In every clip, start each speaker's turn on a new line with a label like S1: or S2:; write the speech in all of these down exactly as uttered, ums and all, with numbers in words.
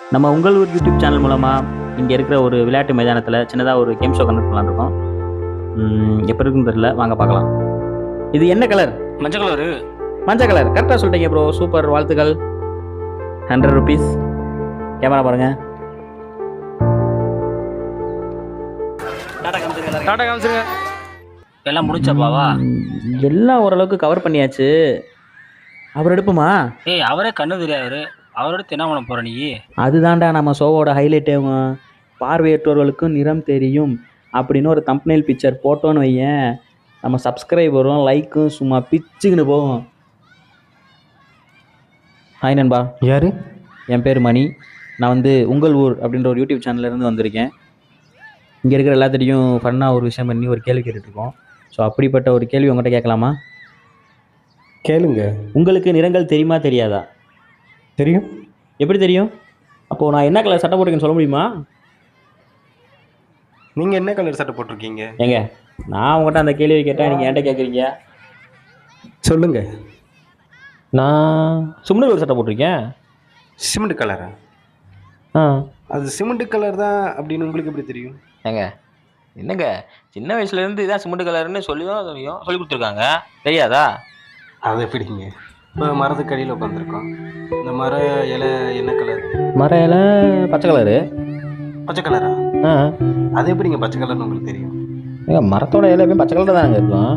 S1: நம்ம உங்கள் ஊர் யூடியூப் சேனல் மூலமாக இங்கே இருக்கிற ஒரு விளையாட்டு மைதானத்தில் சின்னதாக ஒரு கேம் ஷோ கண்டக்ட் பண்ணலான்னு இருக்கோம். ம், எப்போ இருக்குன்னு தெரியல, வாங்க பார்க்கலாம். இது என்ன கலர்?
S2: மஞ்சள் கலரு.
S1: மஞ்சள் கலர். கரெக்டாக சொல்லிட்டீங்க ப்ரோ, சூப்பர், வாழ்த்துக்கள். Hundred rupees. கேமரா பாருங்க.
S2: டாடா காமிச்சிருங்க. டாடா காமிச்சிருங்க. எல்லாம் முடிச்சாப்பாவா?
S1: ம், எல்லாம் ஓரளவுக்கு கவர் பண்ணியாச்சு. அவர் எடுப்புமா?
S2: ஏய், அவரே கண்ணு தெரியாதவரு. அவரோட என்ன பண்ண போற நீ?
S1: அதுதான்டா நம்ம ஷோவோட ஹைலைட்டேவும். பார்வையற்றவர்களுக்கும் நிறம் தெரியும் அப்படின்னு ஒரு தம்ப்நெயில் பிக்சர் போட்டோன்னு வையேன், நம்ம சப்ஸ்கிரைபரும் லைக்கும் சும்மா பிச்சுக்குன்னு போகும். ஹாய் நண்பா.
S3: யாரு?
S1: என் பேர் மணி. நான் வந்து உங்கள் ஊர் அப்படின்ற ஒரு யூடியூப் சேனல்லேருந்து வந்திருக்கேன். இங்கே இருக்கிற எல்லாத்திட்டையும் ஃபன்னாக ஒரு விஷயம் பண்ணி ஒரு கேள்வி கேட்டுட்ருக்கோம். ஸோ அப்படிப்பட்ட ஒரு கேள்வி உங்கள்கிட்ட கேட்கலாமா?
S3: கேளுங்க.
S1: உங்களுக்கு நிறங்கள் தெரியுமா தெரியாதா?
S3: தெரியும்.
S1: எப்படி தெரியும்? அப்போது நான் என்ன கலர் சட்டை போட்டிருக்கேன்னு சொல்ல முடியுமா?
S3: நீங்க என்ன கலர் சட்டை போட்டிருக்கீங்க?
S1: ஏங்க, நான் உங்கள்கிட்ட அந்த கேள்வி கேட்டேன், நீங்கள் என்கிட்ட கேட்குறீங்க.
S3: சொல்லுங்க.
S1: நான் சும்னு ஒரு சட்டை போட்டிருக்கேன்.
S3: சிமெண்ட் கலரா?
S1: ஆ.
S3: அது சிமெண்ட் கலர் தான் அப்படின்னு உங்களுக்கு எப்படி தெரியும்?
S1: ஏங்க, என்னங்க, சின்ன வயசுலேருந்து இதான் சிமெண்ட் கலர்னு சொல்லி தான் தெரியும், சொல்லி கொடுத்துருக்காங்க, தெரியாதா?
S3: அது எப்படிங்க? இப்போ மரத்துக்கு அடியில் உட்காந்துருக்கோம். இந்த மர இலை என்ன கலர்?
S1: மர இலை பச்சை கலரு.
S3: பச்சை கலரா?
S1: ஆ.
S3: அது எப்படிங்க பச்சை கலர்னு உங்களுக்கு தெரியும்?
S1: ஏங்க, மரத்தோட இலை எப்பயும் பச்சை கலர் தானங்க இருக்கும்.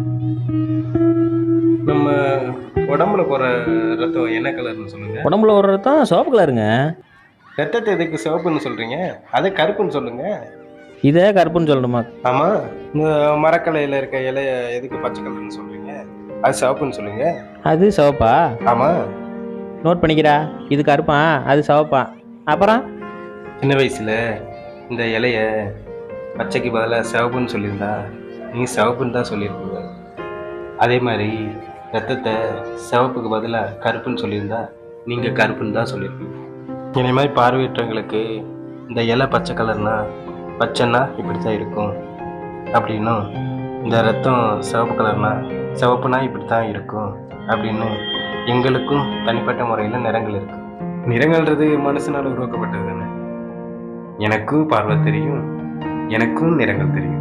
S3: நம்ம உடம்புல போகிற ரத்தம் என்ன கலர்னு சொல்லுங்க.
S1: உடம்புல ஒரு தான் சிவப்பு கலருங்க.
S3: ரத்தத்தை எதுக்கு சிவப்புன்னு சொல்றீங்க? அதை கருப்புன்னு சொல்லுங்க.
S1: இதே கருப்புன்னு சொல்லணுமா?
S3: ஆமாம். இந்த மரக்கலையில் இருக்க இலைய எதுக்கு பச்சை கலர்னு சொல்றீங்க? அது சிவப்புன்னு சொல்லுங்க.
S1: அது சிவப்பா?
S3: ஆமாம்.
S1: நோட் பண்ணிக்கிறா. இது கருப்பா, அது சிவப்பா. அப்புறம்
S3: சின்ன வயசில் இந்த இலைய பச்சைக்கு பதிலாக சிவப்புன்னு சொல்லியிருந்தா நீங்கள் சிவப்புன்னு தான் சொல்லியிருப்பீங்க. அதே மாதிரி ரத்தத்தை சிவப்புக்கு பதிலாக கருப்புன்னு சொல்லியிருந்தா நீங்கள் கருப்புன்னு தான் சொல்லியிருப்பீங்க. இதே மாதிரி பார்வையற்றவங்களுக்கு இந்த இலை பச்சை கலர்னா பச்சைன்னா இப்படி தான் இருக்கும் அப்படின்னும், இந்த ரத்தம் சிவப்பு கலர்னா சிவப்புனா இப்படி தான் இருக்கும் அப்படின்னு எங்களுக்கும் தனிப்பட்ட முறையில் நிறங்கள் இருக்கு. நிறங்கள்ன்றது மனுஷனால் உருவாக்கப்பட்டது தானே. எனக்கும் பார்வை தெரியும், எனக்கும் நிறங்கள் தெரியும்.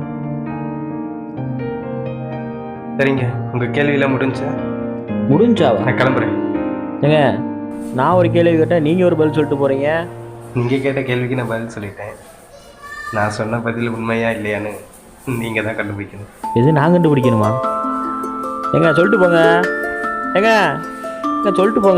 S3: சரிங்க, உங்கள் கேள்வியெல்லாம் முடிஞ்சா?
S1: முடிஞ்சாவா?
S3: நான் கிளம்புறேன்.
S1: ஏங்க, நான் ஒரு கேள்வி கேட்டேன், நீங்கள் ஒரு பதில் சொல்லிட்டு போகிறீங்க.
S3: நீங்கள் கேட்ட கேள்விக்கு நான் பதில் சொல்லிட்டேன். நான் சொன்ன பதில் உண்மையா இல்லையான்னு நீங்கள் தான் கண்டுபிடிக்கணும்.
S1: இது நான் கண்டுபிடிக்கணுமா? ஏங்க, சொல்லிட்டு போங்க. ஏங்க, ஏங்க, சொல்லிட்டு போங்க.